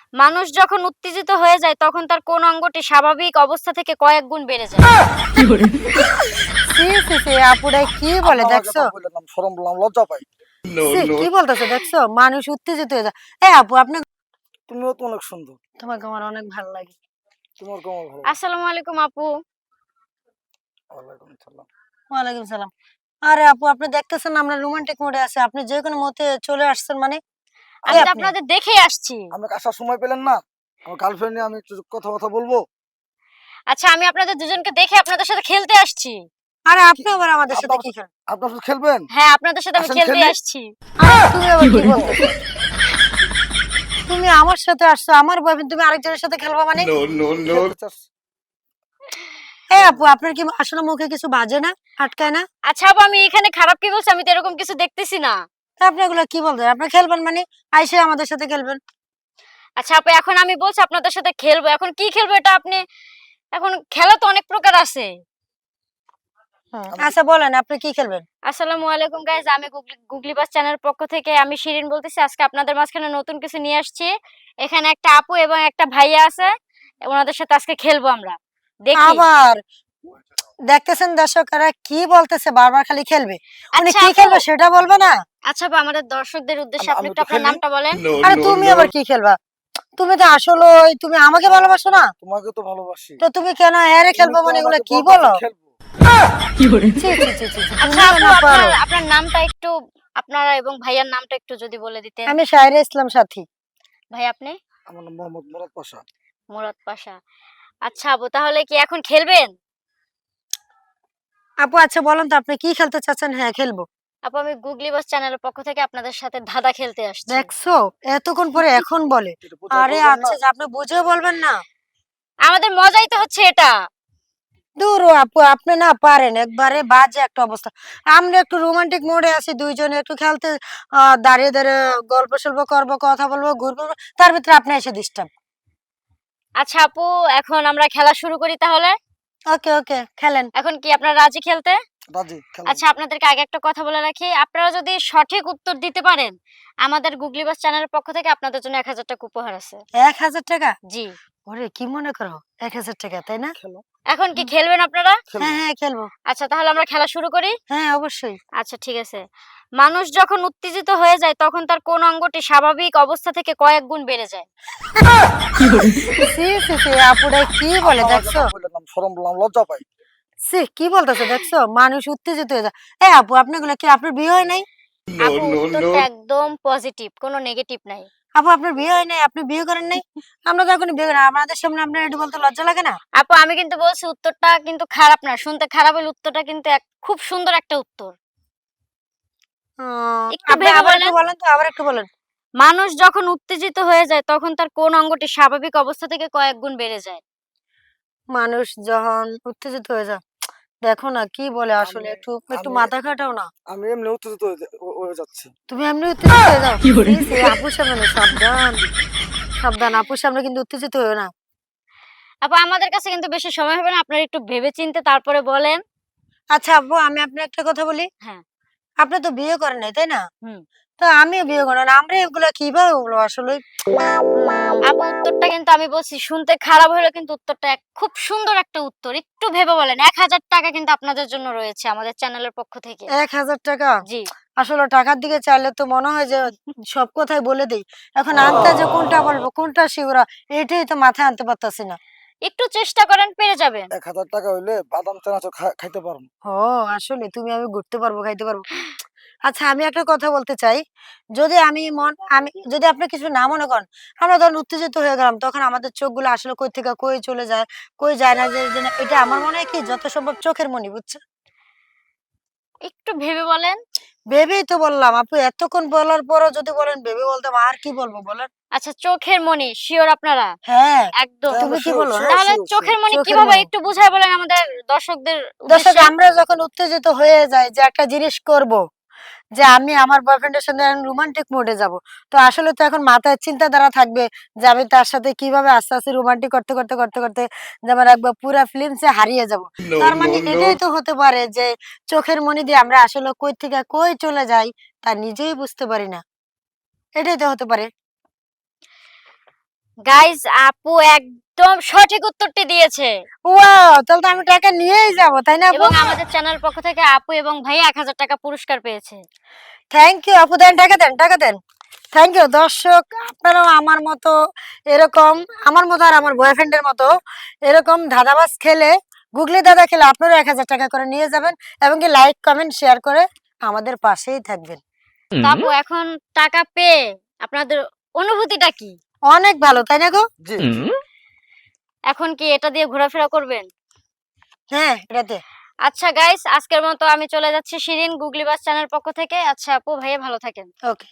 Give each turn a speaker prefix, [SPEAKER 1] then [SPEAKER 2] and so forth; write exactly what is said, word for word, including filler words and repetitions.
[SPEAKER 1] মানুষ যখন উত্তেজিত হয়ে যায় তখন তার কোন অঙ্গটি স্বাভাবিক অবস্থা থেকে কয়েক গুণ বেড়ে যায়?
[SPEAKER 2] সি সি সি আপুরা কি বলে
[SPEAKER 3] আপনি আমাকে
[SPEAKER 2] দেখছো?
[SPEAKER 3] তো বললেন, আমি শরম বললাম, লজ্জা পাই।
[SPEAKER 2] সি কি বলতেছে দেখছো? মানুষ উত্তেজিত হয়ে যায়। এই আপু আপনি,
[SPEAKER 3] তুমিও তো অনেক সুন্দর।
[SPEAKER 2] তোমাকে আমার অনেক ভালো লাগে।
[SPEAKER 3] তোমার কেমন ভালো?
[SPEAKER 1] আসসালামু আলাইকুম আপু।
[SPEAKER 3] ওয়ালাইকুম আসসালাম।
[SPEAKER 2] ওয়ালাইকুম সালাম। আরে আপু আপনি দেখতেছেন না আমরা রোমান্টিক মোডে আছি, আপনি যে কোনো মতে চলে আসছেন মানে?
[SPEAKER 1] আমি
[SPEAKER 2] কে
[SPEAKER 1] তো
[SPEAKER 2] আপনি?
[SPEAKER 1] আপনাদের দেখেই আসছি।
[SPEAKER 3] আমাকে আসার সময় পেলেন না? আমার গার্লফ্রেন্ড নিয়ে আমি একটু কথা কথা বলবো।
[SPEAKER 1] আচ্ছা, আমি আপনাদের দুজনকে দেখে আপনাদের সাথে খেলতে আসছি।
[SPEAKER 2] আরে
[SPEAKER 3] কি
[SPEAKER 2] আপনি আবার আমাদের সাথে
[SPEAKER 3] আপনার
[SPEAKER 2] কি খেলেন?
[SPEAKER 3] আপনার সাথে খেলবেন?
[SPEAKER 1] হ্যাঁ, আপনাদের সাথে আমি
[SPEAKER 3] আসেন
[SPEAKER 1] খেলতে
[SPEAKER 3] খেলি।
[SPEAKER 1] আসছি।
[SPEAKER 2] আরে তুমি আবার কি বলতেছো? তুমি আমার সাথে আসছো, আমার বয়ফ্রেন্ড, তুমি আরেকজনের সাথে খেলবা মানে?
[SPEAKER 3] খেলতে চাস?
[SPEAKER 2] এই আপু আপনার কি আসলে মুখে কিছু বাজে না, আটকায় না?
[SPEAKER 1] আচ্ছা আপু, আমি এখানে খারাপ কি বলছি? আমি তো এরকম কিছু দেখতেছি না।
[SPEAKER 2] তা আপনি এগুলো কি বলতেন? আপনি খেলবেন মানে আইসে আমাদের সাথে খেলবেন।
[SPEAKER 1] আচ্ছা আপু, এখন আমি বলছি আপনাদের সাথে খেলবো। এখন কি খেলবো এটা আপনি, এখন খেলা তো অনেক প্রকার আছে।
[SPEAKER 2] হুম,
[SPEAKER 3] আমি
[SPEAKER 2] আচ্ছা বলেন আপনি কি খেলবেন?
[SPEAKER 1] আসসালামু আলাইকুম গাইস, আমি গুগলি গুগলি বাস চ্যানেলের পক্ষ থেকে আমি শিরিন বলতেছি। আজকে আপনাদের মাঝখানে নতুন কিছু নিয়ে আসছি। এখানে একটা আপু এবং একটা ভাইয়া আছে, ওনাদের সাথে আজকে খেলবো আমরা। দেখি।
[SPEAKER 2] আবার দেখতেছেন দর্শকরা কি বলতেছে, বারবার খালি খেলবে। উনি
[SPEAKER 1] আচ্ছা
[SPEAKER 2] কি
[SPEAKER 1] আপু,
[SPEAKER 2] খেলবে সেটা বলবে না?
[SPEAKER 1] আচ্ছা আপু, আমাদের দর্শকদের উদ্দেশ্যে
[SPEAKER 3] আমি
[SPEAKER 1] আপনি
[SPEAKER 3] আমি
[SPEAKER 1] একটু
[SPEAKER 3] একটু
[SPEAKER 1] আপনার
[SPEAKER 3] খেলি।
[SPEAKER 1] নামটা বলেন।
[SPEAKER 2] আরে তুমি আবার কি খেলবা? তুমি তো আসলে তুমি আমাকে ভালোবাসো না,
[SPEAKER 3] তোমাকে তো ভালোবাসি।
[SPEAKER 2] তো তুমি কেন এরে
[SPEAKER 3] তুমি
[SPEAKER 2] খেলবো
[SPEAKER 3] তো
[SPEAKER 2] মানে এগুলো
[SPEAKER 3] আমাকে
[SPEAKER 2] কি
[SPEAKER 3] বলতেছো
[SPEAKER 2] বলো?
[SPEAKER 3] খেলবো।
[SPEAKER 2] ছি ছি ছি ছি ছি,
[SPEAKER 1] আচ্ছা
[SPEAKER 2] তুমিও
[SPEAKER 1] আপু,
[SPEAKER 2] না
[SPEAKER 1] আপনার
[SPEAKER 2] পারো।
[SPEAKER 1] আপনার নামটা একটু, আপনারা এবং ভাইয়ার নামটা একটু যদি বলে দিতেন।
[SPEAKER 2] আমি শায়রা ইসলাম সাথী।
[SPEAKER 1] ভাই আপনি?
[SPEAKER 3] আমার নাম মোহাম্মদ মুরাদ পাশা।
[SPEAKER 1] মুরাদ পাশা। আচ্ছা আপু, তাহলে কি এখন খেলবেন?
[SPEAKER 2] আপু আচ্ছা বলেন তো আপনি কি খেলতে চাচ্ছেন? হ্যাঁ খেলবো।
[SPEAKER 1] আপু, আমি গুগলি বাস চ্যানেলের পক্ষ থেকে আপনাদের সাথে ধাঁধা খেলতে আসছি।
[SPEAKER 2] দেখছো, এতক্ষণ পরে এখন বলে।
[SPEAKER 3] এটা প্রচার
[SPEAKER 2] আরে
[SPEAKER 3] করবেন না?
[SPEAKER 2] আচ্ছা যে আপনি বুঝেও বলবেন না।
[SPEAKER 1] আমাদের মজাই তো হচ্ছে এটা।
[SPEAKER 2] দূর ও আপু আপনি না পারেন, একবারে বাজে একটা অবস্থা। আমরা একটু রোমান্টিক মোডে আছি, দুইজনে একটু খেলতে আহ দাঁড়িয়ে দাঁড়িয়ে গল্প সল্প করবো, কথা বলবো, ঘুরবো, তার ভিতরে আপনি এসে ডিস্টার্ব।
[SPEAKER 1] আচ্ছা আপু, এখন আমরা খেলা শুরু করি তাহলে।
[SPEAKER 2] ওকে ওকে খেলেন।
[SPEAKER 1] এখন কি আপনারা রাজি খেলতে?
[SPEAKER 3] রাজি, খেলেন।
[SPEAKER 1] আচ্ছা, আপনাদেরকে আগে একটা কথা বলে রাখি, আপনারা যদি সঠিক উত্তর দিতে পারেন, আমাদের গুগলি বাস চ্যানেলের পক্ষ থেকে আপনাদের জন্য এক হাজার টাকা উপহার আছে।
[SPEAKER 2] এক হাজার টাকা?
[SPEAKER 1] জি।
[SPEAKER 2] ওরে কি মনে করো, এক হাজার টাকা তাই না?
[SPEAKER 3] খেলো,
[SPEAKER 1] এখন কি খেলবেন আপনারা?
[SPEAKER 3] খেলবো।
[SPEAKER 2] হ্যাঁ হ্যাঁ খেলবো।
[SPEAKER 1] আচ্ছা, তাহলে আমরা খেলা শুরু করি।
[SPEAKER 2] হ্যাঁ অবশ্যই।
[SPEAKER 1] আচ্ছা ঠিক আছে। মানুষ যখন উত্তেজিত হয়ে যায় তখন তার কোন অঙ্গটি স্বাভাবিক অবস্থা থেকে কয়েক গুণ বেড়ে যায়?
[SPEAKER 2] সি সি সি আপুরা কি বলে
[SPEAKER 3] আপনি আমাকে
[SPEAKER 2] দেখছো?
[SPEAKER 3] তো বললেন, আমি শরম বললাম, লজ্জা পাই।
[SPEAKER 2] সি কি বলতেছে দেখছো? মানুষ উত্তেজিত হয়ে যায়। এই আপু আপনি গুলো কি, আপনার বিয়ে হয় নাই?
[SPEAKER 1] আপু, উত্তরটা একদম পজিটিভ, কোনো নেগেটিভ নাই।
[SPEAKER 2] আপু আপনার বিয়ে হয় নাই, আপনি বিয়ে করেন নাই? আমরা তো এখনই বিয়ে করি, আমাদের সামনে আপনার এটা বলতে লজ্জা লাগে না?
[SPEAKER 1] আপু, আমি কিন্তু বলছি উত্তরটা কিন্তু খারাপ না, শুনতে খারাপ হলে উত্তরটা কিন্তু এক- খুব সুন্দর একটা উত্তর।
[SPEAKER 2] আহ,
[SPEAKER 1] একটু
[SPEAKER 2] আপনি
[SPEAKER 1] ভেবে
[SPEAKER 2] আবার একটু
[SPEAKER 1] বলেন।
[SPEAKER 2] বলেন তো, আবার একটু বলেন।
[SPEAKER 1] মানুষ যখন উত্তেজিত হয়ে যায় তখন তার কোন অঙ্গটি স্বাভাবিক অবস্থা থেকে কয়েক গুণ বেড়ে যায়?
[SPEAKER 2] মানুষ যখন উত্তেজিত হয়ে যায়, দেখো না কি বলে, আসলে
[SPEAKER 3] আমি
[SPEAKER 2] একটু একটু
[SPEAKER 3] আমি
[SPEAKER 2] মাথা খাটাও না।
[SPEAKER 3] আমি এমনি উত্তেজিত হয়ে যা- হ- হয়ে যাচ্ছি।
[SPEAKER 2] তুমি এমনি উত্তেজিত হয়ে যাও? সি সি আপুর সামনে না, সাবধান সাবধান, আপুর সামনে কিন্তু উত্তেজিত হয়ে না।
[SPEAKER 1] আপু, আমাদের কাছে কিন্তু বেশি সময় হবে না, আপনারা একটু ভেবে চিন্তে তারপরে বলেন।
[SPEAKER 2] আচ্ছা আপু আমি আপনার একটা কথা বলি,
[SPEAKER 1] হ্যাঁ।
[SPEAKER 2] আপনি তো বিয়ে করেন নাই তাই না?
[SPEAKER 1] হুম।
[SPEAKER 2] তো আমিও বিয়ে করেন, আমরা এগুলা কিভাবে বলবো আসলে? উম,
[SPEAKER 1] আপু, উত্তরটা কিন্তু আমি বলছি শুনতে খারাপ হলেও কিন্তু উত্তরটা এক- খুব সুন্দর একটা উত্তর। একটু ভেবে বলেন। এক হাজার টাকা কিন্তু আপনাদের জন্য রয়েছে আমাদের চ্যানেলের পক্ষ থেকে।
[SPEAKER 2] এক হাজার টাকা?
[SPEAKER 1] জি।
[SPEAKER 2] আসলে টাকার দিকে চাইলে তো মনে হয় যে সব কথাই বলে দেই। এখন আনতে যে কোনটা বলবো, কোনটা শিউরা, এটাই তো মাথায় আনতে পারতাছি না।
[SPEAKER 1] একটু চেষ্টা করেন, পেরে যাবেন।
[SPEAKER 3] এক হাজার টাকা হইলে বাদাম চানাচুর খা- খাইতে পারবো।
[SPEAKER 2] ও আসলে তুমি, আমি ঘুরতে পারবো, খাইতে পারবো। আচ্ছা আমি একটা কথা বলতে চাই, যদি আমি মন আমি যদি আপনি কিছু না মনে করেন, আমরা ধরুন উত্তেজিত হয়ে গেলাম, তখন আমাদের চোখগুলো আসলে কই থেকে কই চলে যায়, কই যায় না, যে যে না, এটা আমার মনে হয় কি যত সম্ভব চোখের মনি, বুঝছো?
[SPEAKER 1] একটু ভেবে বলেন।
[SPEAKER 2] ভেবেই তো বললাম আপু, এতক্ষণ বলার পরও যদি বলেন ভেবে বলতাম, আর কি বলবো বলেন?
[SPEAKER 1] আচ্ছা, চোখের মণি শিওর আপনারা?
[SPEAKER 2] হ্যাঁ।
[SPEAKER 1] একদম।
[SPEAKER 3] হ্যাঁ,
[SPEAKER 2] তুমি
[SPEAKER 3] আমরা
[SPEAKER 2] কি
[SPEAKER 3] শিওর
[SPEAKER 2] বলো? হ্যাঁ?
[SPEAKER 3] শিওর
[SPEAKER 1] তাহলে
[SPEAKER 3] শিওর শিওর।
[SPEAKER 1] চোখের মণি
[SPEAKER 2] চোখের
[SPEAKER 1] কিভাবে
[SPEAKER 2] মনি।
[SPEAKER 1] একটু বুঝায় বলেন আমাদের দর্শকদের
[SPEAKER 2] দর্শক
[SPEAKER 1] উদ্দেশ্যে।
[SPEAKER 2] আমরা যখন উত্তেজিত হয়ে যাই যে একটা জিনিস করব, যে আমি আমার বয়ফ্রেন্ডের সঙ্গে রোমান্টিক মোডে যাব, তো আসলে তো এখন মাথায় চিন্তাধারা থাকবে যে আমি তার সাথে কিভাবে আস্তে আস্তে রোমান্টিক করতে করতে করতে করতে যেমন একবার পুরা ফিল্মসে হারিয়ে যাব। তার মানে এটাই তো হতে পারে যে চোখের মনি দিয়ে আমরা আসলে কই থেকে কই চলে যাই তা নিজেই বুঝতে পারি না। এটাই তো হতে পারে।
[SPEAKER 1] গাইস আপু একদম সঠিক উত্তরটি দিয়েছে
[SPEAKER 2] ওয়াও, তাহলে তো আমি টাকা নিয়েই যাব, তাই না আপু?
[SPEAKER 1] এবং আমাদের চ্যানেল পক্ষ থেকে আপু এবং ভাইয়া এক হাজার টাকা পুরস্কার পেয়েছে।
[SPEAKER 2] থ্যাংক ইউ আপু, দেন টাকা দেন, টাকা দেন। থ্যাংক ইউ দর্শক, আপনারাও আমার মতো এরকম, আমার মতো আর আমার বয়ফ্রেন্ডের মতো এরকম ধাঁধাবাজ খেলে, গুগলি দাদা খেলে আপনারাও এক হাজার টাকা করে নিয়ে যাবেন এবং কি লাইক কমেন্ট শেয়ার করে আমাদের পাশেই থাকবেন।
[SPEAKER 1] তো আপু এখন টাকা পেয়ে আপনাদের অনুভূতিটা কি?
[SPEAKER 2] অনেক ভালো, তাই না গো?
[SPEAKER 3] জি
[SPEAKER 1] এখন কি এটা দিয়ে ঘোরাফেরা করবেন?
[SPEAKER 2] হ্যাঁ, এটাতে।
[SPEAKER 1] আচ্ছা গাইস, আজকের মতো আমি চলে যাচ্ছি শিরিন গুগলি বাস চ্যানেল পক্ষ থেকে। আচ্ছা আপু ভাইয়া ভালো থাকেন।
[SPEAKER 2] ওকে।